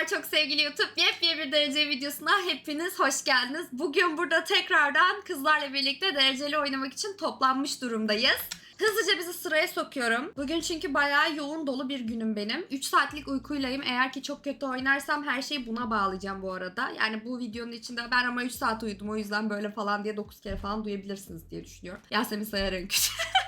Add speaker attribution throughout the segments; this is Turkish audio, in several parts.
Speaker 1: Merhabalar çok sevgili YouTube. Yepyeni bir derece videosuna hepiniz hoş geldiniz. Bugün burada tekrardan kızlarla birlikte dereceli oynamak için toplanmış durumdayız. Hızlıca bizi sıraya sokuyorum. Bugün çünkü bayağı yoğun dolu bir günüm benim. 3 saatlik uykuylayım. Eğer ki çok kötü oynarsam her şeyi buna bağlayacağım bu arada. Yani bu videonun içinde ben ama 3 saat uyudum o yüzden böyle falan diye 9 kere falan duyabilirsiniz diye düşünüyorum. Yasemin Sayar'ın küçük.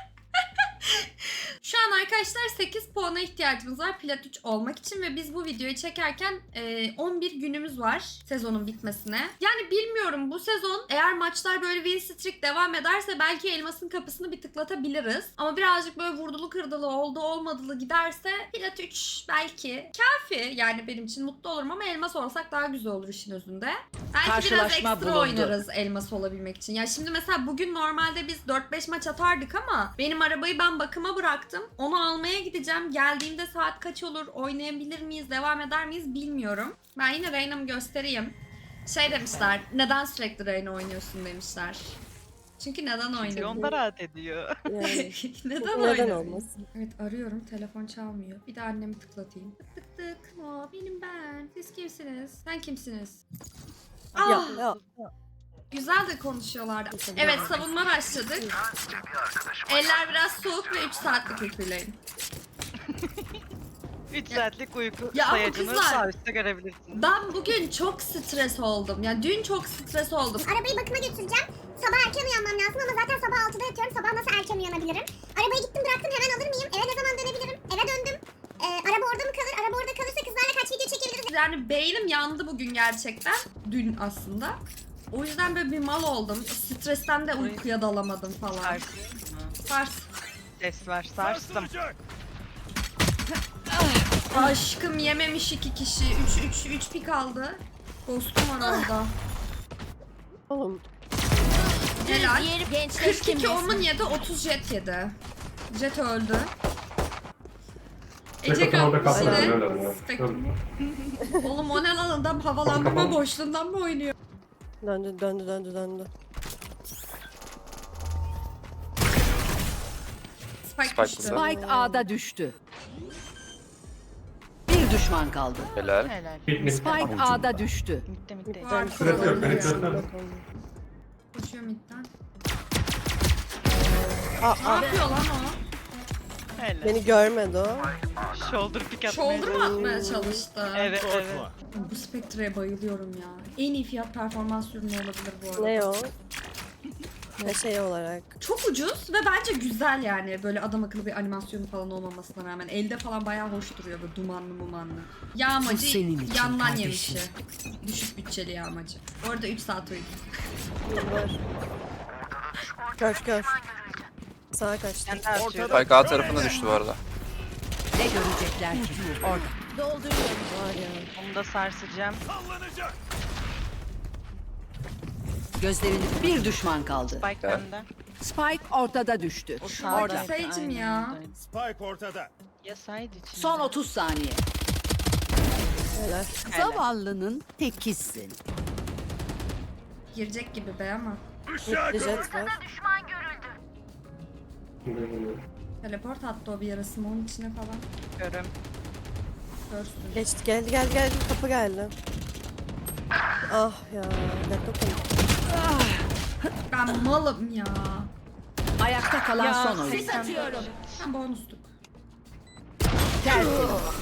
Speaker 1: Şu an arkadaşlar 8 puana ihtiyacımız var plat 3 olmak için ve biz bu videoyu çekerken 11 günümüz var sezonun bitmesine. Yani bilmiyorum, bu sezon eğer maçlar böyle win streak devam ederse belki elmasın kapısını bir tıklatabiliriz. Ama birazcık böyle vurdulu kırdılı oldu olmadılı giderse plat 3 belki kafi, yani benim için mutlu olurum ama elmas olsak daha güzel olur işin özünde. Belki biraz ekstra oynarız elmas olabilmek için. Ya şimdi mesela bugün normalde biz 4-5 maç atardık ama benim arabayı ben bakıma bıraktım. Onu almaya gideceğim. Geldiğimde saat kaç olur? Oynayabilir miyiz? Devam eder miyiz? Bilmiyorum. Ben yine Reyna'mı göstereyim. Şey demişler. Neden sürekli Reyna oynuyorsun demişler. Çünkü neden oynuyorum?
Speaker 2: Onda rahat ediyor.
Speaker 3: Yani,
Speaker 1: Neden
Speaker 3: neden
Speaker 1: oynuyorum?
Speaker 3: olmasın?
Speaker 1: Evet, arıyorum. Telefon çalmıyor. Bir de annemi tıklatayım. Tık tık tık. Aa, benim ben. Siz kimsiniz? Sen kimsiniz?
Speaker 3: Ya,
Speaker 1: Ah,
Speaker 3: ya.
Speaker 1: güzel de konuşuyorlardı. Evet, savunma başladık. Eller biraz soğuk ve 3 saatlik uykuylayın.
Speaker 2: 3 saatlik uyku
Speaker 1: Ya ama
Speaker 2: sayacını
Speaker 1: kızlar-
Speaker 2: serviste görebilirsiniz.
Speaker 1: Ben bugün çok stres oldum. Yani dün çok stres oldum.
Speaker 4: Arabayı bakıma götüreceğim. Sabah erken uyanmam lazım ama zaten sabah 6'da yatıyorum. Sabah nasıl erken uyanabilirim? Arabayı gittim bıraktım, hemen alır mıyım? Eve ne zaman dönebilirim? Eve döndüm. Araba orada mı kalır? Araba orada kalırsa kızlarla kaç video çekebiliriz?
Speaker 1: Yani beynim yandı bugün gerçekten. Dün aslında. O yüzden böyle bir mal oldum. Stresten de uykuya dalamadım falan.
Speaker 2: Sarsıyor mu?
Speaker 1: Sars.
Speaker 2: Ses var, sarstım.
Speaker 1: Aşkım yememiş 2 kişi. 3 pik aldı. Ghost'um var orada.
Speaker 3: Oğlum
Speaker 1: Helal. 42 omun yedi, 30 jet yedi. Jet öldü. Ece kalmış yine. Spektrum. Oğlum o ne lan, adam havalandırma boşluğundan mı oynuyor?
Speaker 3: döndü.
Speaker 1: Spike düştü.
Speaker 5: Spike A'da düştü. Bir düşman kaldı.
Speaker 6: Helal.
Speaker 2: Helal.
Speaker 5: Spike A'da düştü.
Speaker 2: Mitte.
Speaker 1: Var,
Speaker 3: Döndü.
Speaker 1: kovalıyor. Koşuyor midden. Ne yapıyor lan o?
Speaker 2: Helal.
Speaker 3: Beni görmedi o.
Speaker 2: Shoulder pick atmaya
Speaker 1: Shoulder mu atmaya çalıştı?
Speaker 2: Evet.
Speaker 1: Bu Spectre'ye bayılıyorum ya. En iyi fiyat performans ürünü olabilir bu arada.
Speaker 3: Ne o? Ne şey olarak.
Speaker 1: Çok ucuz ve bence güzel yani. Böyle adam akıllı bir animasyonu falan olmamasına rağmen. Elde falan bayağı hoş duruyor, böyle dumanlı mumanlı.
Speaker 5: Bu
Speaker 1: Yağmacı
Speaker 5: senin için
Speaker 1: yandan
Speaker 5: kardeşim.
Speaker 1: yemişi. Düşük bütçeli yağmacı. Bu arada 3 saat uyudum.
Speaker 3: Var. Gör. Sağa kaçtı.
Speaker 2: Ben de atıyorum.
Speaker 6: Spike A tarafına düştü bu arada.
Speaker 5: Ne görecekler ki? Orada.
Speaker 3: Var ya.
Speaker 2: Onu da sarsacağım.
Speaker 5: Gözlerini bir düşman kaldı.
Speaker 2: Spike bende.
Speaker 5: Spike ortada düştü.
Speaker 2: O sağda.
Speaker 5: Orada.
Speaker 1: Seyircim ya.
Speaker 7: Spike ortada.
Speaker 2: Ya side içinde.
Speaker 5: Son 30 saniye.
Speaker 3: Helal.
Speaker 5: Zavallının tekisin.
Speaker 1: Girecek gibi be ama.
Speaker 3: Bir jet var.
Speaker 1: Teleport attı o bir yarısını onun içine falan.
Speaker 2: Görüm.
Speaker 1: Görsün.
Speaker 3: Geçti geldi. Kapı geldi. Ah ya. Laptop
Speaker 1: Ben malım ya.
Speaker 5: Ayakta kalan son oyun.
Speaker 2: Ses atıyorum.
Speaker 1: Ben bonusluk.
Speaker 5: Tertemiz.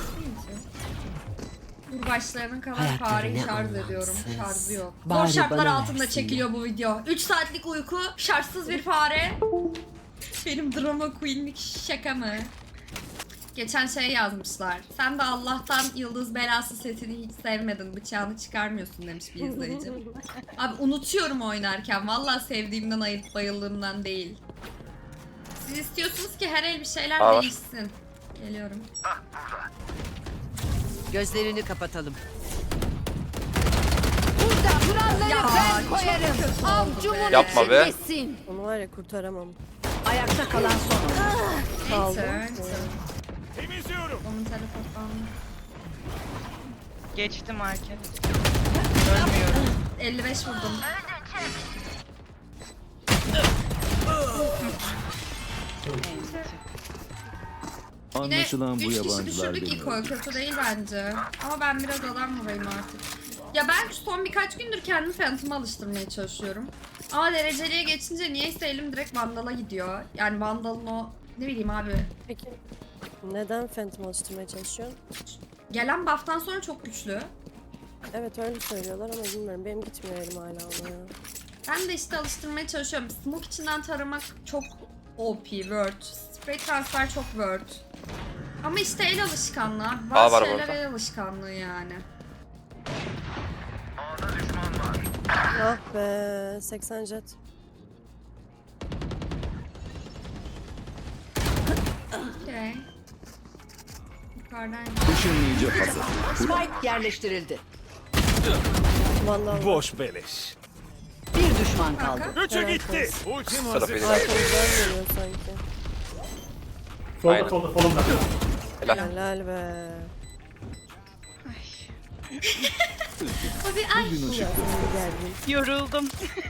Speaker 1: Kurbaçlarının kadar
Speaker 5: Hayatta
Speaker 1: fareyi
Speaker 5: ne
Speaker 1: şarj
Speaker 5: anlamsız.
Speaker 1: ediyorum. Şarjı yok.
Speaker 5: Bari
Speaker 1: Zor şartlar
Speaker 5: bana
Speaker 1: altında
Speaker 5: versin
Speaker 1: çekiliyor bu video. 3 saatlik uyku, şarjsız bir fare. Benim drama queenlik şaka mı? Geçen şey yazmışlar. Sen de Allah'tan yıldız belası setini hiç sevmedin. Bıçağını çıkarmıyorsun demiş bir izleyicim. Abi unutuyorum oynarken. Vallahi sevdiğimden ayıp bayıldığımdan değil. Siz istiyorsunuz ki her el bir şeyler
Speaker 6: Var.
Speaker 1: değişsin. Geliyorum.
Speaker 5: Gözlerini kapatalım. Burada kuralları ben koyarım. Avcumun
Speaker 6: Yapma be.
Speaker 5: içindesin.
Speaker 3: Onu var ya kurtaramam.
Speaker 5: Ayakta kalan son oyun.
Speaker 3: Kaldı.
Speaker 1: Enter.
Speaker 7: Temizliyorum.
Speaker 1: Onun telefonundan.
Speaker 2: Geçti market. Ölmüyorum.
Speaker 1: 55 vurdum.
Speaker 6: Anlaşılan bu
Speaker 1: Yine 3 kişi
Speaker 6: yabancılar
Speaker 1: düşürdük
Speaker 6: beni
Speaker 1: ilk oy. Kötü değil bence. Ama ben biraz adam vurayım artık. Ya ben son birkaç gündür kendimi Phantom'a alıştırmaya çalışıyorum. Ama dereceliye geçince niyeyse elim direkt Vandal'a gidiyor. Yani Vandal'ın o ne bileyim abi.
Speaker 3: Peki neden Phantom alıştırmaya çalışıyorsun?
Speaker 1: Gelen buff'tan sonra çok güçlü.
Speaker 3: Evet öyle söylüyorlar ama bilmiyorum. Benim gitmiyor elim hala ona ya.
Speaker 1: Ben de işte alıştırmaya çalışıyorum. Smoke içinden taramak çok OP, word. Spray transfer çok word. Ama işte el alışkanlığı. Bazı
Speaker 8: var
Speaker 1: şeyler
Speaker 8: burada.
Speaker 1: el alışkanlığı yani.
Speaker 3: Ah be 80 jet.
Speaker 1: Okey. Yukarıdan.
Speaker 6: ışınlayıcı hazır.
Speaker 5: Spike yerleştirildi.
Speaker 3: Vallahi
Speaker 7: Boş beleş.
Speaker 5: Bir düşman kaldı.
Speaker 7: Üçü
Speaker 3: Evet,
Speaker 7: gitti.
Speaker 3: evet.
Speaker 7: Ultim
Speaker 8: Tarafı
Speaker 7: hazır.
Speaker 8: yedi.
Speaker 3: arkamızdan geliyor sanki.
Speaker 8: Aynen.
Speaker 7: solunda.
Speaker 3: Helal be.
Speaker 1: Abi ay.
Speaker 6: Bugün ışık
Speaker 3: Ya senin geldin.
Speaker 2: Yoruldum.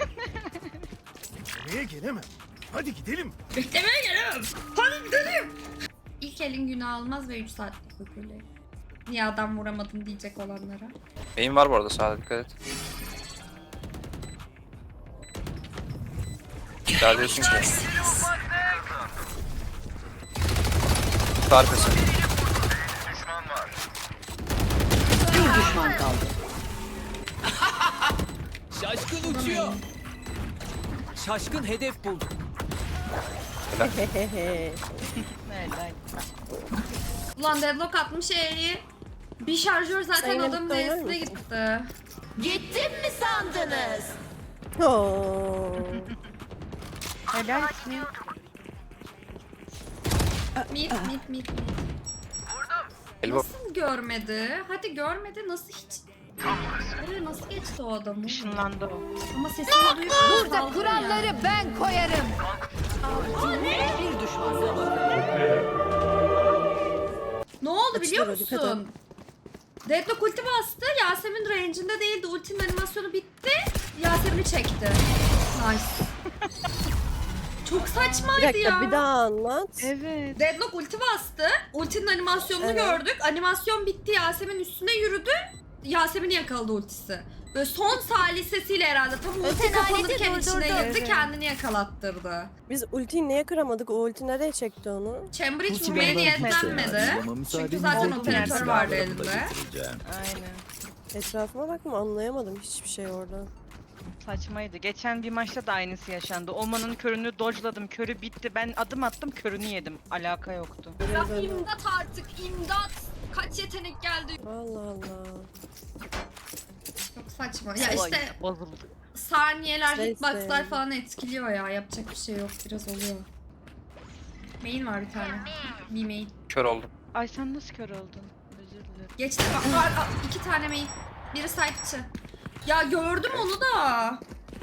Speaker 7: Nereye gelemem? Hadi gidelim.
Speaker 1: Beklemeye gelemem. Hadi gidelim. İlk elin günü almaz ve 3 saatlik hükümlü. Niye adam vuramadın diyecek olanlara.
Speaker 8: Beyin var bu arada, sağda dikkat et. Güzel diyorsun ki. Tarifesi.
Speaker 5: Bir düşman kaldı.
Speaker 9: Şaşkın uçuyor. Şaşkın hedef buldu.
Speaker 3: Hehehe.
Speaker 2: Helal.
Speaker 1: Ulan deadlock atmış E'yi. Bir şarjör zaten
Speaker 3: Zeynep
Speaker 1: adamın
Speaker 3: de oynar
Speaker 1: D'sine
Speaker 3: mısın?
Speaker 1: gitti.
Speaker 5: Gittim mi sandınız?
Speaker 3: Oo.
Speaker 2: Helal mi?
Speaker 1: Mid.
Speaker 8: Elbow.
Speaker 1: Nasıl görmedi? Hadi görmedi, nasıl hiç... Oraya nasıl geçti o adamı?
Speaker 2: Işınlandı o.
Speaker 1: Ama sesini duyup
Speaker 5: Burada
Speaker 1: saldırı
Speaker 5: kuralları
Speaker 1: yani.
Speaker 5: ben koyarım. Bir düşman kaldı.
Speaker 1: Ne oldu biliyor
Speaker 3: Açtılar, dikkat
Speaker 1: musun? Deadlock ulti bastı. Yasemin range'inde değildi. Ultinin animasyonu bitti. Yasemin'i çekti. Nice. Çok
Speaker 3: Bir
Speaker 1: saçmaydı
Speaker 3: dakika
Speaker 1: ya.
Speaker 3: bir daha anlat.
Speaker 2: Evet.
Speaker 1: Deadlock ulti bastı. Ultinin animasyonunu
Speaker 3: Evet.
Speaker 1: gördük. Animasyon bitti. Yasemin üstüne yürüdü. Yasemin'i yakaladı ultisi. Böyle son salisesiyle herhalde. Tam ulti
Speaker 5: Öten
Speaker 1: kapanırken
Speaker 5: aleti
Speaker 1: içine
Speaker 5: durdurdu.
Speaker 1: girdi.
Speaker 2: Evet.
Speaker 1: Kendini yakalattırdı.
Speaker 3: Biz ultiyi niye kıramadık? O ulti nereye çekti onu?
Speaker 1: Cambridge
Speaker 6: Ulti
Speaker 1: vurmaya
Speaker 6: benden
Speaker 1: niyetlenmedi.
Speaker 6: hiç ama
Speaker 1: Çünkü
Speaker 6: müsaadenizle
Speaker 1: zaten
Speaker 6: kendi
Speaker 1: operatör vardı
Speaker 6: silahlarımı da
Speaker 1: elinde.
Speaker 6: getireceğim.
Speaker 2: Aynen.
Speaker 3: Etrafıma bakma anlayamadım hiçbir şey orada.
Speaker 2: Saçmaydı. Geçen bir maçta da aynısı yaşandı. Oman'ın körünü dodge'ladım. Körü bitti. Ben adım attım, körünü yedim. Alaka yoktu.
Speaker 3: Böyle.
Speaker 1: İmdat artık imdat. Kaç yetenek geldi.
Speaker 3: Allah Allah.
Speaker 1: Çok saçma. Ya işte
Speaker 2: Bozuldu.
Speaker 1: saniyeler,
Speaker 3: Şey
Speaker 1: hitboxlar
Speaker 3: işte.
Speaker 1: falan etkiliyor ya. Yapacak bir şey yok. Biraz oluyor. Main var bir tane. Bir main.
Speaker 8: Kör oldum.
Speaker 2: Ay sen nasıl kör oldun? Özür dilerim.
Speaker 1: Geçti. Var 2 tane main. Biri side içi. Ya gördüm onu da.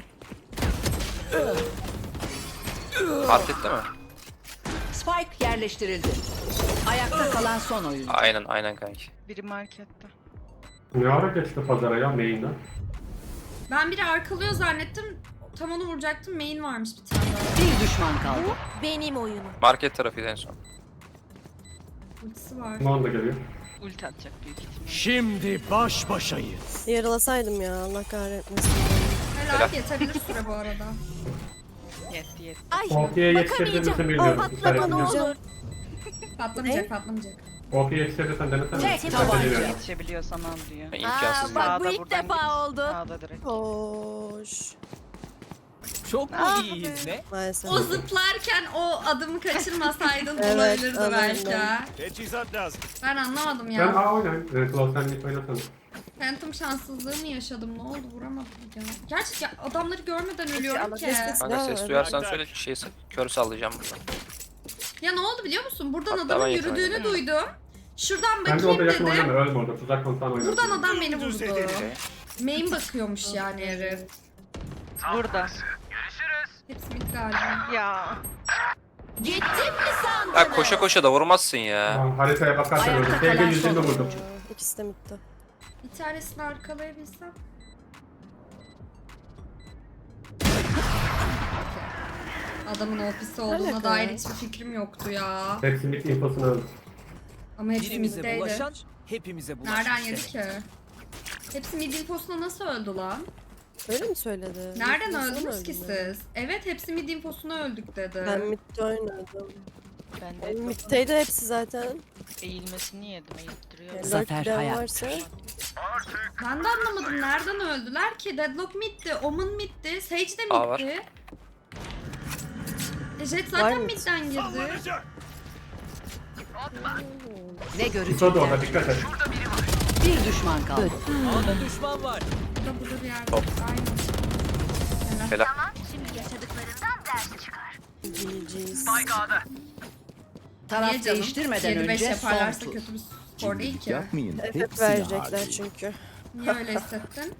Speaker 8: Fark etti mi?
Speaker 5: Spike yerleştirildi. Ayakta kalan son oyuncu.
Speaker 8: Aynen kanki.
Speaker 2: Biri markette.
Speaker 10: Ne ara geçti pazara ya main'den?
Speaker 1: Ben biri arkalıyor zannettim. Tam onu vuracaktım. Main varmış bir tane daha.
Speaker 5: Bir düşman kaldı.
Speaker 3: Benim oyunum.
Speaker 8: Market tarafıydı en son.
Speaker 1: Ultisi var.
Speaker 10: Ulan da geliyor.
Speaker 2: Ulti atacak büyük ihtimalle.
Speaker 7: Şimdi baş başayız.
Speaker 3: Yaralasaydım ya Allah kahretmesin.
Speaker 1: Helal yetebilir süre bu arada.
Speaker 2: Yetti.
Speaker 10: Ortaya yetiştirdin mi bilmiyorum.
Speaker 3: Patlama ne olur.
Speaker 1: Patlamayacak patlamayacak.
Speaker 10: Ortaya yetiştirdin denesene.
Speaker 5: Tek
Speaker 10: Ben
Speaker 5: tabanca.
Speaker 10: deniyorum.
Speaker 2: Yetişebiliyorsam al diyor.
Speaker 8: İmkansız
Speaker 5: bak
Speaker 8: ya.
Speaker 5: bu ilk
Speaker 2: buradan
Speaker 5: defa
Speaker 2: gidin.
Speaker 5: oldu.
Speaker 2: Sağda direkt.
Speaker 3: Hoş.
Speaker 9: Çok mu iyiyiz ne?
Speaker 3: Maalesef.
Speaker 1: O zıplarken o adımı kaçırmasaydın
Speaker 3: Evet,
Speaker 1: olabilirdi
Speaker 3: anladım.
Speaker 1: belki. ha.
Speaker 7: Teçhizat lazım.
Speaker 1: Ben anlamadım
Speaker 10: Ben
Speaker 1: ya.
Speaker 10: A oynayayım. Claw sen git oynasana.
Speaker 1: Phantom şanssızlığı mı yaşadım? Ne oldu? Vuramadım ya. Gerçi ya, adamları görmeden ölüyorum ki.
Speaker 3: Keşke
Speaker 8: Kanka
Speaker 3: silah
Speaker 8: ses
Speaker 3: ver.
Speaker 8: duyarsan söyle, kör sallayacağım buradan.
Speaker 1: Ya ne oldu biliyor musun? Buradan
Speaker 8: Hatta
Speaker 1: adamın
Speaker 8: ben yakın
Speaker 1: yürüdüğünü
Speaker 8: oynadım.
Speaker 1: duydum. Şuradan
Speaker 10: Bence orada
Speaker 1: bakayım
Speaker 10: yakın oynama.
Speaker 1: dedim.
Speaker 10: Ölme orada. Tuzak konutan oyna.
Speaker 1: Buradan adam beni
Speaker 7: Dümdüz
Speaker 1: vurdu.
Speaker 7: edelim.
Speaker 1: Main bakıyormuş yani herif.
Speaker 2: Burada.
Speaker 1: Hepsi bitti galiba.
Speaker 2: Ya.
Speaker 5: Gittim mi sandınız?
Speaker 8: Ya koşa koşa da vurmazsın ya.
Speaker 10: Tamam, haritaya bakarsan
Speaker 5: Ayakta
Speaker 10: öyle.
Speaker 5: kalan
Speaker 10: TG 120
Speaker 5: son
Speaker 10: vurdum.
Speaker 5: oyuncu.
Speaker 3: İkisi de bitti.
Speaker 1: Bir tanesini arkalayabilsem. Adamın ofisi olduğuna
Speaker 3: Alaka
Speaker 1: dair
Speaker 3: ya.
Speaker 1: hiçbir fikrim yoktu ya.
Speaker 10: Hepsi bit infosunu aldım.
Speaker 1: Ama hepsi
Speaker 9: Birimize
Speaker 1: middeydi.
Speaker 9: bulaşan hepimize bulaşmış
Speaker 1: Nereden
Speaker 9: demek.
Speaker 1: yedi ki? Hepsi mid infosuna nasıl öldü lan?
Speaker 3: Öyle mi söyledi?
Speaker 1: Nereden
Speaker 3: Nasıl
Speaker 1: öldünüz ki
Speaker 3: öldüm
Speaker 1: siz? Evet hepsi mid infosuna öldük dedi.
Speaker 3: Ben midde oynadım.
Speaker 2: Ben de
Speaker 3: Middeydi hepsi zaten.
Speaker 2: eğilmesini yedim. Eğittiriyor.
Speaker 3: Zafer varsa.
Speaker 1: Ben de anlamadım nereden öldüler ki? Deadlock middi, Omen middi, Sage de
Speaker 8: A var.
Speaker 1: middi. Jet
Speaker 3: Var
Speaker 1: zaten
Speaker 3: mı?
Speaker 1: midden girdi.
Speaker 7: Sallanacak.
Speaker 5: Ne
Speaker 10: Yusuf da orada
Speaker 5: görecekler?
Speaker 10: dikkat et.
Speaker 5: Bir düşman kaldı.
Speaker 9: A'da düşman var.
Speaker 1: Burada bir yerde.
Speaker 8: Top.
Speaker 1: Aynen.
Speaker 8: Helal.
Speaker 3: GG's.
Speaker 5: Taraf
Speaker 1: Niye canım?
Speaker 5: değiştirmeden
Speaker 1: 7-5
Speaker 5: önce son
Speaker 1: yaparlarsa
Speaker 5: tur.
Speaker 1: kötü bir skor değil ki.
Speaker 6: Yapmayın.
Speaker 3: FF verecekler çünkü.
Speaker 1: Niye öyle hissettin?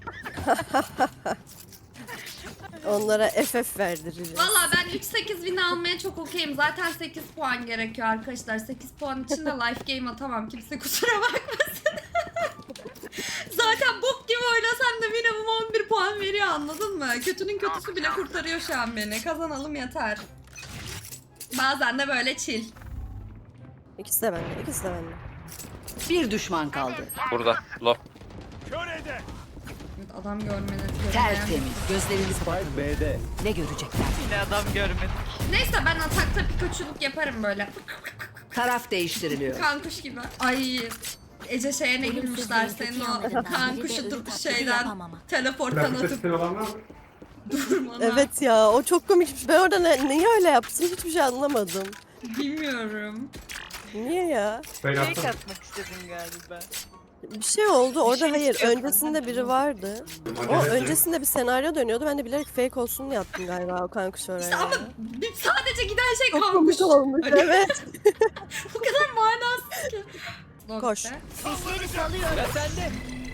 Speaker 3: Onlara FF verdireceğiz.
Speaker 1: Valla ben 3-8 win almaya çok okeyim. Zaten 8 puan gerekiyor arkadaşlar. 8 puan için de life game atamam. Kimse kusura bakmasın. Zaten bok gibi oynasam da minimum 11 puan veriyor, anladın mı? Kötünün kötüsü bile kurtarıyor şu an beni. Kazanalım yeter. Bazen de böyle chill.
Speaker 3: İkisi de bende, ikisi de bende.
Speaker 5: Bir düşman kaldı.
Speaker 8: Burada. Low.
Speaker 7: Kör ede.
Speaker 1: Evet, adam görmeniz
Speaker 5: Tertemiz. Gözlerinizi kapatın.
Speaker 6: Spike B'de.
Speaker 5: Ne görecekler?
Speaker 2: Yine adam görmedik.
Speaker 1: Neyse ben atakta Pikachu'luk yaparım böyle.
Speaker 5: Taraf değiştiriliyor.
Speaker 1: Kankuş gibi. Ay Ece şeye ne gülmüşler senin o kankuşu şeyden teleporttan
Speaker 10: Plastik
Speaker 1: atıp
Speaker 10: sesini olan var mı?
Speaker 1: durmana.
Speaker 3: Evet ya, o çok komikmiş. Ben orada niye öyle yaptım hiçbir şey anlamadım.
Speaker 1: Bilmiyorum.
Speaker 3: Niye ya?
Speaker 10: Ben
Speaker 2: Fake
Speaker 10: yaptım.
Speaker 2: atmak istedim galiba.
Speaker 3: Bir şey oldu orada,
Speaker 2: şey
Speaker 3: hayır.
Speaker 2: istiyor
Speaker 3: Öncesinde
Speaker 2: benden.
Speaker 3: biri vardı. O öncesinde bir senaryo dönüyordu. Ben de bilerek fake olsun diye yaptım galiba o kankuş oraya.
Speaker 1: İşte ama sadece giden şey
Speaker 3: Çok
Speaker 1: kankuş.
Speaker 3: komik olmuş,
Speaker 1: Hani
Speaker 3: evet.
Speaker 1: Bu kadar manasız ki.
Speaker 3: Koş.
Speaker 4: Sesleri salıyorum.
Speaker 9: Sıra sende.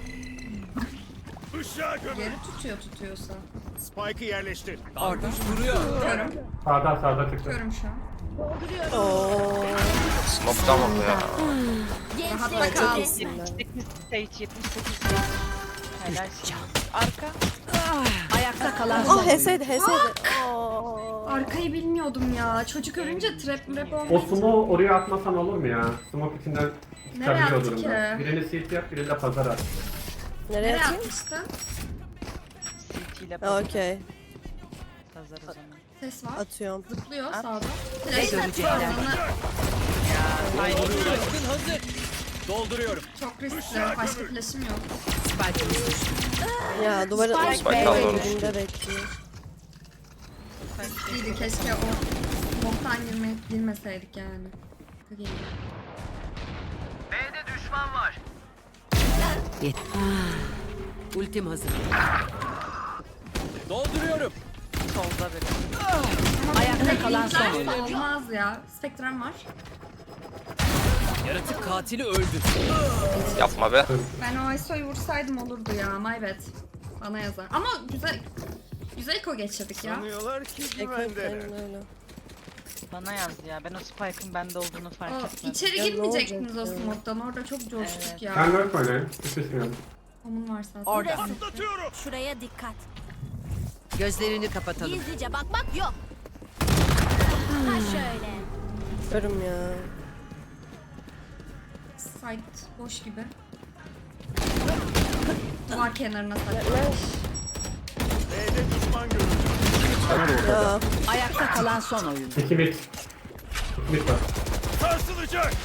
Speaker 7: Işığa gömün.
Speaker 1: Geri tutuyorsa.
Speaker 7: Spike'ı yerleştir.
Speaker 9: Kardeş vuruyor.
Speaker 1: Tutuyorum.
Speaker 10: Sağda çıktı.
Speaker 1: Tutuyorum şu an.
Speaker 3: Oo.
Speaker 8: Smoke'tan vurdu ya.
Speaker 1: Rahat kal.
Speaker 2: 78 stage 78 stage. Helal. Arka.
Speaker 5: Ayakta kalan
Speaker 3: Ah
Speaker 5: son.
Speaker 3: HS'ydi. Aa.
Speaker 1: Arkayı bilmiyordum ya. Çocuk ölünce trap
Speaker 10: O
Speaker 1: olmuş.
Speaker 10: smoke oraya atmasan olur mu ya? Smoke içinden
Speaker 1: Nereye
Speaker 10: çıkabiliyor
Speaker 1: attı
Speaker 10: durumda.
Speaker 1: ki?
Speaker 10: Birini CT yap, birini de pazar at.
Speaker 3: Nereye
Speaker 1: Nereye
Speaker 3: atayım?
Speaker 1: atmıştın?
Speaker 2: CT ile
Speaker 3: Okey.
Speaker 2: pazar o zaman.
Speaker 1: Ses var.
Speaker 3: Atıyorum.
Speaker 1: Zıplıyor sağda.
Speaker 5: Ne
Speaker 1: Flash
Speaker 5: görecekler?
Speaker 1: atıyor.
Speaker 9: Şaşkın hazır. Dolduruyorum.
Speaker 1: Çok riskli. Başka flash'ım yok.
Speaker 5: Spike'ımız düştü.
Speaker 3: Ya duvarın
Speaker 5: Spike
Speaker 8: Spike kaldı orada.
Speaker 3: dibinde bekliyor.
Speaker 1: Riskliydi. Keşke o smoke'tan girmeseydik yani.
Speaker 5: Ultim hazır.
Speaker 9: Dolduruyorum.
Speaker 2: Solda biri.
Speaker 5: Ayakta kalan son
Speaker 1: Linkler
Speaker 5: oyuncu.
Speaker 1: olmaz ya. Spectrum var.
Speaker 9: Yaratık katili öldü.
Speaker 8: Yapma be.
Speaker 1: Ben o ISO'yu vursaydım olurdu ya. My bad. Bana yazar. Ama güzel eko geçirdik ya.
Speaker 7: Sanıyorlar ki
Speaker 3: Ekmek
Speaker 7: güvendeler.
Speaker 3: aynen öyle.
Speaker 2: Bana yazdı ya. Ben o Spike'ın bende olduğunu fark
Speaker 1: O,
Speaker 2: etmedim.
Speaker 1: içeri
Speaker 3: Ya ne
Speaker 1: girmeyecektiniz o
Speaker 3: olacak ya?
Speaker 1: smoke'tan. Orada çok coştuk
Speaker 2: Evet.
Speaker 1: ya.
Speaker 10: Ben lurk oynayayım. Düşürsün.
Speaker 1: Onun var zaten.
Speaker 5: Orada.
Speaker 7: Atlatıyorum.
Speaker 4: Şuraya dikkat.
Speaker 5: Gözlerini kapatalım.
Speaker 4: Gizlice bakmak yok. Ha şöyle.
Speaker 3: Görüm ya.
Speaker 1: Site boş gibi. Duvar kenarına saklı.
Speaker 7: B'de düşman görüldü.
Speaker 3: Ya.
Speaker 5: Ayakta kalan son oyuncu.
Speaker 10: 2 mid. 2 mid var.
Speaker 7: Sarsılacak.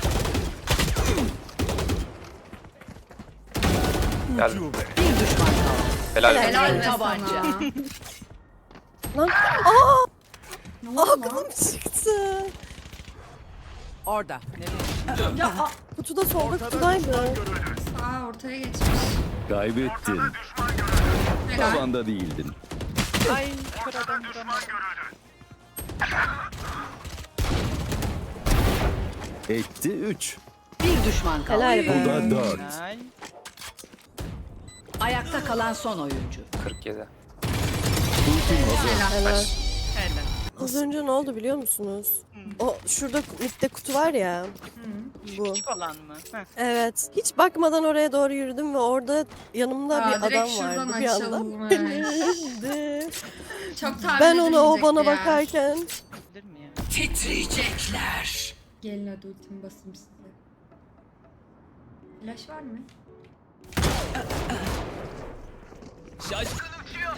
Speaker 8: Gel.
Speaker 5: Bir düşman kaldı.
Speaker 8: Helal.
Speaker 1: Helal be
Speaker 5: Tabanca.
Speaker 1: sana.
Speaker 3: Lan
Speaker 1: Ne oldu lan?
Speaker 3: aklım çıktı.
Speaker 5: Orada.
Speaker 1: Ya
Speaker 3: Kutuda solda kutudaydı.
Speaker 1: sağ ortaya geçmiş.
Speaker 6: Kaybettin.
Speaker 1: Helal.
Speaker 6: Tavanda değildin.
Speaker 2: Ay kör adam vuramadım.
Speaker 6: Etti 3.
Speaker 5: Bir düşman kaldı.
Speaker 3: Helal
Speaker 6: Bu
Speaker 3: be.
Speaker 6: da 4.
Speaker 2: Helal.
Speaker 5: Ayakta kalan son oyuncu.
Speaker 8: 47.
Speaker 6: Ultim hazır.
Speaker 3: Helal.
Speaker 2: Helal.
Speaker 3: Az önce ne oldu biliyor musunuz? O şurada midde kutu var ya. Bu.
Speaker 2: Küçük olan mı? Heh.
Speaker 3: Evet. Hiç bakmadan oraya doğru yürüdüm ve orada yanımda
Speaker 1: Aa,
Speaker 3: bir
Speaker 1: direkt
Speaker 3: adam
Speaker 1: şuradan
Speaker 3: vardı bir anda.
Speaker 1: açılmış.
Speaker 3: Öldü.
Speaker 1: Çok tahmin
Speaker 3: Ben ona o bana
Speaker 1: edilmeyecek ya.
Speaker 3: bakarken
Speaker 2: Bilir mi ya?
Speaker 5: Titriyecekler.
Speaker 1: Gelin hadi ultimi basayım size. Flash var mı?
Speaker 9: Şaşkın uçuyor.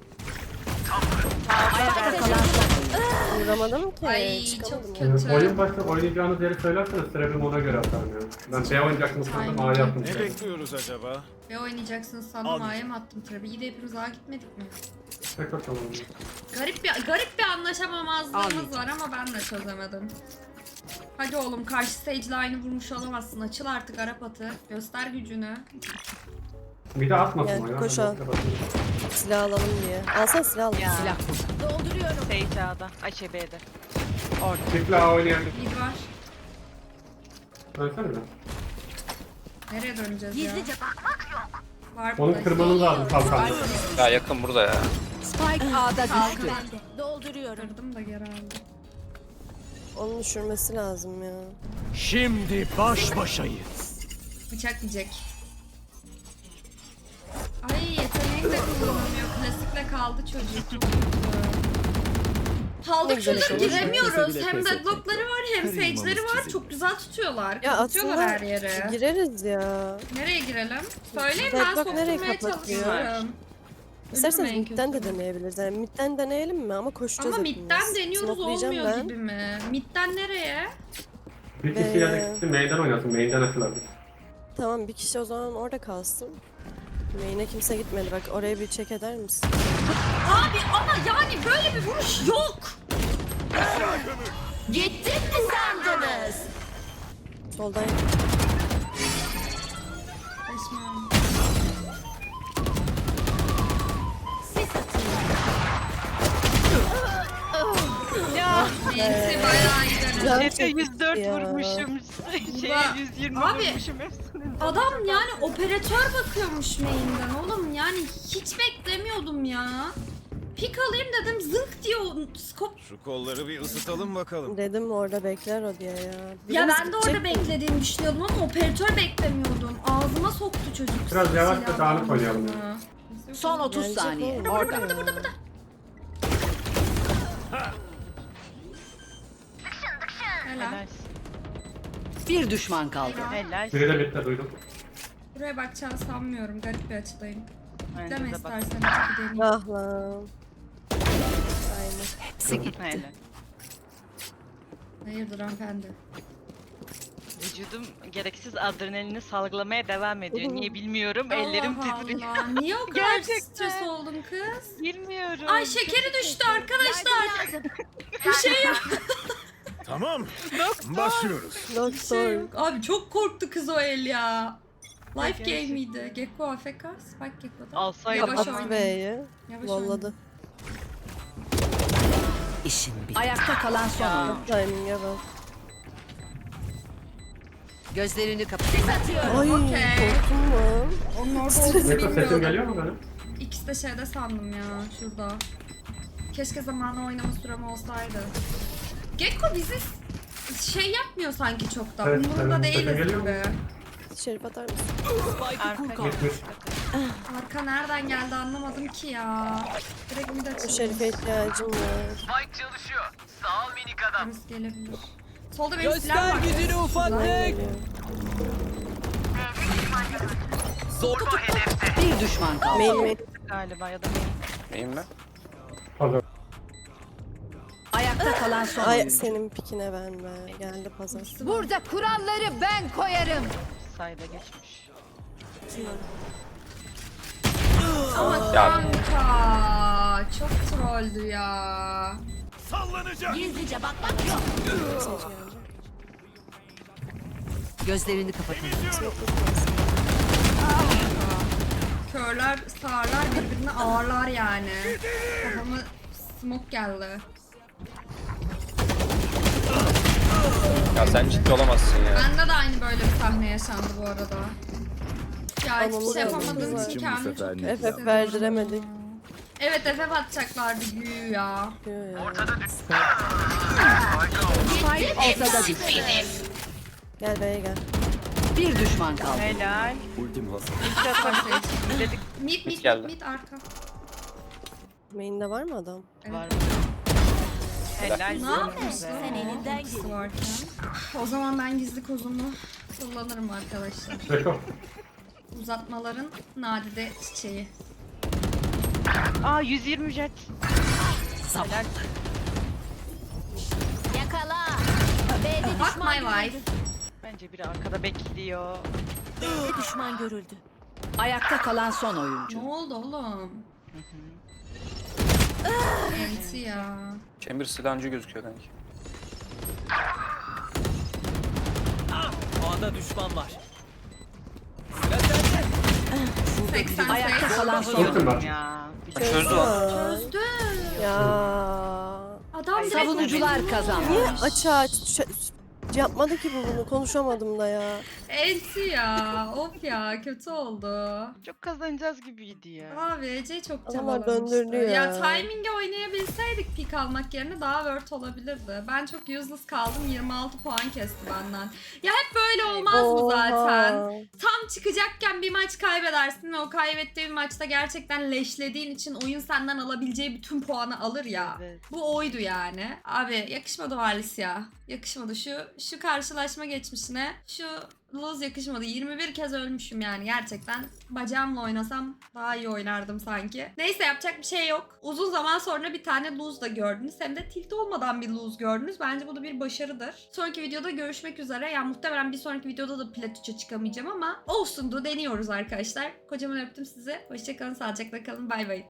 Speaker 5: Ayakta kalan son.
Speaker 3: Vuramadım ki.
Speaker 1: Ay
Speaker 3: çıkamadım.
Speaker 1: çok kötü.
Speaker 10: Oyun başta oynayacağınız yeri söylerseniz Trebim ona göre atarım ya. Ben B oynayacaktım sandım A'ya attım.
Speaker 7: Ne bekliyoruz acaba?
Speaker 1: Ve oynayacaksınız sandım A'ya mı attım tabii. İyi de hepimiz A'ya gitmedik mi?
Speaker 10: Tekrar tamam.
Speaker 1: Garip bir anlaşamamazlığımız var ama ben de çözemedim. Hadi oğlum karşı Sage'le aynı vurmuş olamazsın. Açıl artık Arap atı. Göster gücünü.
Speaker 10: Bir de atmasın
Speaker 3: Gel,
Speaker 10: o ya.
Speaker 3: koş
Speaker 10: Ben
Speaker 3: al.
Speaker 10: de bakayım.
Speaker 3: Silah alalım diye. Alsana silah al.
Speaker 2: Ya.
Speaker 5: Silah burada. Dolduruyorum.
Speaker 2: Sage A'da. Ay şey B'de.
Speaker 10: Çiftli A oynayalım.
Speaker 1: Mid var.
Speaker 10: Dönsene bir.
Speaker 1: Nereye döneceğiz
Speaker 5: Gizlice
Speaker 1: ya? Var
Speaker 10: Onu
Speaker 1: burada.
Speaker 10: kırmanız lazım kalkanla.
Speaker 8: Ya yakın burada ya.
Speaker 5: Spike A'da
Speaker 1: Kaldı.
Speaker 5: düştü. Dolduruyorum.
Speaker 1: Kırdım da geri aldım.
Speaker 3: Onu düşürmesi lazım ya.
Speaker 7: Şimdi baş başayız.
Speaker 1: Bıçak yiyecek. Ay yeteneğim de kullanılmıyor. Klasikle kaldı çocuk. Çok kötü.
Speaker 3: Ne
Speaker 1: Kaldık
Speaker 3: güzel
Speaker 1: şurada
Speaker 3: olmuş.
Speaker 1: giremiyoruz.
Speaker 6: Bile
Speaker 1: Hem
Speaker 6: pes
Speaker 1: deadlockları var hem
Speaker 6: Kırılmamız
Speaker 1: sage'leri var.
Speaker 6: çizildi.
Speaker 1: Çok güzel tutuyorlar.
Speaker 3: Ya
Speaker 1: Kapatıyorlar
Speaker 3: aslında
Speaker 1: her yere.
Speaker 3: gireriz ya.
Speaker 1: Nereye girelim? Söyleyin ben
Speaker 3: Deadlock nereye
Speaker 1: sokturmaya
Speaker 3: kapatıyor?
Speaker 1: çalışıyorum.
Speaker 3: İsterseniz
Speaker 1: Ölürüm en
Speaker 3: midden de
Speaker 1: kötü.
Speaker 3: deneyebiliriz. Yani midden deneyelim mi? Ama koşacağız
Speaker 1: Ama
Speaker 3: hepimiz.
Speaker 1: midden deniyoruz
Speaker 3: Smokelayacağım
Speaker 1: olmuyor
Speaker 3: ben.
Speaker 1: gibi mi? Midden nereye?
Speaker 10: Bir kişi yerde gitsin main'den oynasın. Main'den açılabilir.
Speaker 3: Tamam bir kişi o zaman orada kalsın. Main'e kimse gitmedi. Bak oraya bir check eder misin?
Speaker 1: Abi ama yani böyle bir vuruş yok.
Speaker 5: Gittim mi sandınız?
Speaker 3: Soldan
Speaker 1: Esma.
Speaker 5: Sis atayım.
Speaker 2: Ya.
Speaker 1: Neyse bayağı iyi denedim.
Speaker 3: Güzel
Speaker 2: Efe 104
Speaker 3: ya.
Speaker 2: vurmuşum. Şeye
Speaker 1: Ulan,
Speaker 2: 120
Speaker 1: abi,
Speaker 2: vurmuşum hepsini.
Speaker 1: Adam yani operatör bakıyormuş main'den oğlum yani hiç beklemiyordum ya. Pik alayım dedim zınk diye o skop.
Speaker 7: Şu kolları bir ısıtalım bakalım.
Speaker 3: dedim orada bekler o diye ya.
Speaker 1: Ya
Speaker 3: Birimiz
Speaker 1: ben de orada
Speaker 3: gidecek mi?
Speaker 1: beklediğimi düşünüyordum ama operatör beklemiyordum. Ağzıma soktu çocuk.
Speaker 10: Biraz yavaş ve
Speaker 1: silahla
Speaker 10: dağınık oynayalım
Speaker 1: ağzına.
Speaker 5: Son 30
Speaker 3: Gelecek
Speaker 5: saniye.
Speaker 3: oğlum,
Speaker 5: Orada.
Speaker 3: ya.
Speaker 1: Burada. Helal.
Speaker 2: Helal.
Speaker 5: Bir düşman kaldı.
Speaker 2: Helal.
Speaker 10: Biri de midde duydum.
Speaker 1: Buraya bakacağını sanmıyorum. Garip bir açıdayım.
Speaker 2: Bence
Speaker 1: Deme
Speaker 2: de bak.
Speaker 1: istersen bir deneyeyim.
Speaker 3: Ah lan. Aynen.
Speaker 5: Hepsi gitti.
Speaker 2: Helal.
Speaker 1: Hayırdır hanımefendi?
Speaker 2: Vücudum gereksiz adrenalini salgılamaya devam ediyor. Niye bilmiyorum. Ellerim
Speaker 1: Allah
Speaker 2: titriyor.
Speaker 1: Allah. Niye o kadar
Speaker 2: Gerçekten.
Speaker 1: stres oldun kız?
Speaker 2: Bilmiyorum.
Speaker 1: Ay şekeri düştü arkadaşlar. Bir şey yok.
Speaker 7: Tamam. Başlıyoruz.
Speaker 1: Bir şey
Speaker 3: Doktor.
Speaker 1: yok. Abi çok korktu kız o el ya. Life game miydi? Gecko AFK, Spike Gecko'da.
Speaker 2: Alsaydım.
Speaker 1: Yavaş
Speaker 3: Kapattı
Speaker 1: oynayın.
Speaker 3: B'yi.
Speaker 1: Yavaş
Speaker 3: Volladı.
Speaker 5: İşin bitti. Ayakta kalan son oyun.
Speaker 3: Timing'e bak.
Speaker 5: Gözlerini kapat. Sis atıyorum.
Speaker 3: Ay
Speaker 1: Okey.
Speaker 3: korktum lan.
Speaker 1: Onun orada olduğunu
Speaker 10: Neko sesim
Speaker 1: bilmiyordum.
Speaker 10: geliyor mu benim?
Speaker 1: İkisi de şeyde sandım ya şurada. Keşke zamanla oynama sürem olsaydı. Gecko bizi şey yapmıyor sanki çok da.
Speaker 10: Evet,
Speaker 1: Umurunda
Speaker 10: evet.
Speaker 1: değiliz
Speaker 10: Geliyor mu?
Speaker 1: gibi.
Speaker 3: Şerif atar mısın?
Speaker 2: Arka
Speaker 10: Gitmiş.
Speaker 1: Arka nereden geldi anlamadım ki ya. Direkt mid
Speaker 3: O
Speaker 1: açıldı.
Speaker 3: Şerif'e ihtiyacım var.
Speaker 9: Spike çalışıyor. Sağ ol minik adam.
Speaker 1: Birisi gelebilir. Solda benim silah
Speaker 9: Göster
Speaker 1: var.
Speaker 9: gücünü
Speaker 3: Lan
Speaker 9: ufaklık.
Speaker 3: geliyor.
Speaker 9: Zorba hedefte.
Speaker 5: Bir düşman kaldı.
Speaker 3: Main.
Speaker 2: galiba ya da
Speaker 8: İyiyim mi?
Speaker 10: Pazar.
Speaker 5: Ayakta kalan son
Speaker 3: Ay
Speaker 5: oyuncu.
Speaker 3: senin pikine verme. Geldi pazar.
Speaker 5: Burada kuralları ben koyarım.
Speaker 2: sayda geçmiş.
Speaker 1: Ama
Speaker 8: Ya.
Speaker 1: kanka çok trolldü ya.
Speaker 7: Sallanacak.
Speaker 5: Gizlice bakmak yok. Gözlerini kapatın.
Speaker 1: Körler sağırlar birbirine ağırlar yani. Kafama smoke geldi.
Speaker 8: Ya sen ciddi olamazsın ya.
Speaker 1: Bende de aynı böyle bir sahne yaşandı bu arada. Ya hiçbir
Speaker 3: Anamı
Speaker 1: şey
Speaker 3: da
Speaker 1: yapamadığım
Speaker 3: aldım.
Speaker 1: için
Speaker 6: Bu
Speaker 1: kendimi
Speaker 6: sefer
Speaker 1: çok
Speaker 6: ne
Speaker 1: kötü
Speaker 3: FF
Speaker 1: hissediyorum.
Speaker 3: verdiremedik.
Speaker 1: Evet FF atacaklardı güyü ya.
Speaker 3: Diyor ya.
Speaker 5: Ortada düştü.
Speaker 3: Gel B'ye gel.
Speaker 5: Bir düşman kaldı.
Speaker 2: Helal.
Speaker 6: Ultim hazır.
Speaker 2: Dedik
Speaker 1: Mid
Speaker 8: geldi.
Speaker 1: arka.
Speaker 3: Main'de var mı adam?
Speaker 2: var. Helal.
Speaker 1: Ne yapıyorsun?
Speaker 2: Güzel.
Speaker 1: Sen elinden varken. O zaman ben gizli kozumu Kullanırım arkadaşlar.
Speaker 10: Beko.
Speaker 1: Uzatmaların nadide çiçeği.
Speaker 2: Aa 120 jet. Helal.
Speaker 5: Yakala. B'de
Speaker 1: Fuck
Speaker 5: düşman
Speaker 1: my wife.
Speaker 2: Bence biri arkada bekliyor.
Speaker 5: B'de düşman görüldü. Ayakta kalan son oyuncu.
Speaker 1: Ne oldu oğlum? Enti ya.
Speaker 8: Chamber silahıncı gözüküyor kanki.
Speaker 9: A'da düşman var.
Speaker 1: 88.
Speaker 5: Ayakta kalan son
Speaker 10: Ultim var.
Speaker 2: Ya.
Speaker 8: Çözdü lan.
Speaker 1: Çözdü.
Speaker 3: Ya.
Speaker 1: Adam direkt
Speaker 5: Savunucular kazandı.
Speaker 3: Niye açığa yapmadı ki bu bunu? Konuşamadım da ya.
Speaker 1: enti ya. Of ya kötü oldu.
Speaker 2: Çok kazanacağız gibiydi ya.
Speaker 1: Abi Ece çok
Speaker 3: Adamlar
Speaker 1: çabalamıştı.
Speaker 3: döndürdü ya.
Speaker 1: Timing'e oynayabilseydik pik almak yerine daha word olabilirdi. Ben çok useless kaldım. 26 puan kesti benden. Ya hep böyle olmaz mı zaten?
Speaker 3: Oha.
Speaker 1: Tam çıkacakken bir maç kaybedersin ve o kaybettiğin maçta gerçekten leşlediğin için oyun senden alabileceği bütün puanı alır ya.
Speaker 2: Evet.
Speaker 1: Bu oydu yani. Abi yakışmadı Valis ya. Yakışmadı. Şu karşılaşma geçmişine şu lose yakışmadı. 21 kez ölmüşüm yani gerçekten. Bacağımla oynasam daha iyi oynardım sanki. Neyse yapacak bir şey yok. Uzun zaman sonra bir tane lose da gördünüz. Hem de tilt olmadan bir lose gördünüz. Bence bu da bir başarıdır. Sonraki videoda görüşmek üzere. Yani muhtemelen bir sonraki videoda da plat 3'e çıkamayacağım ama olsundu. Deniyoruz arkadaşlar. Kocaman öptüm sizi. Hoşçakalın, sağlıcakla kalın. Bay bay.